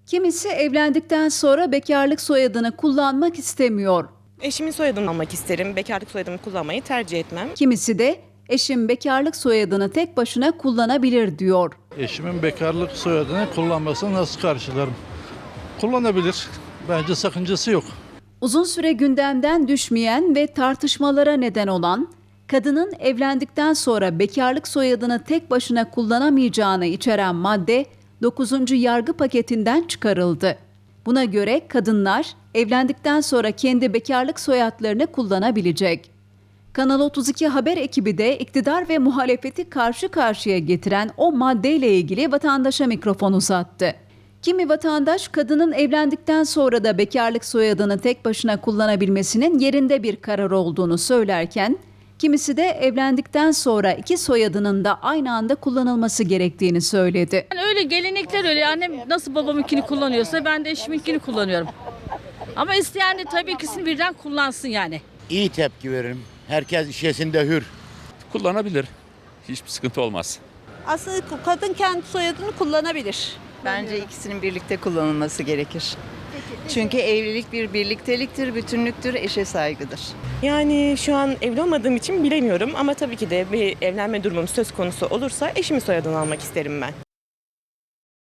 Kimisi evlendikten sonra bekarlık soyadını kullanmak istemiyor. Eşimin soyadını almak isterim. Bekarlık soyadımı kullanmayı tercih etmem. Kimisi de eşim bekarlık soyadını tek başına kullanabilir diyor. Eşimin bekarlık soyadını kullanmasını nasıl karşılarım? Kullanabilir. Bence sakıncası yok. Uzun süre gündemden düşmeyen ve tartışmalara neden olan, kadının evlendikten sonra bekarlık soyadını tek başına kullanamayacağını içeren madde 9. yargı paketinden çıkarıldı. Buna göre kadınlar evlendikten sonra kendi bekarlık soyadlarını kullanabilecek. Kanal 32 haber ekibi de iktidar ve muhalefeti karşı karşıya getiren o maddeyle ilgili vatandaşa mikrofon uzattı. Kimi vatandaş kadının evlendikten sonra da bekarlık soyadını tek başına kullanabilmesinin yerinde bir karar olduğunu söylerken, kimisi de evlendikten sonra iki soyadının da aynı anda kullanılması gerektiğini söyledi. Yani öyle gelenekler öyle. Annem nasıl babamınkini kullanıyorsa ben de eşiminkini kullanıyorum. Ama isteyen de tabii ikisini birden kullansın yani. İyi tepki veririm. Herkes işesinde hür. Kullanabilir. Hiçbir sıkıntı olmaz. Aslında kadın kendi soyadını kullanabilir. Bence ikisinin birlikte kullanılması gerekir. Çünkü evlilik bir birlikteliktir, bütünlüktür, eşe saygıdır. Yani şu an evli olmadığım için bilemiyorum ama tabii ki de bir evlenme durumum söz konusu olursa eşimin soyadını almak isterim ben.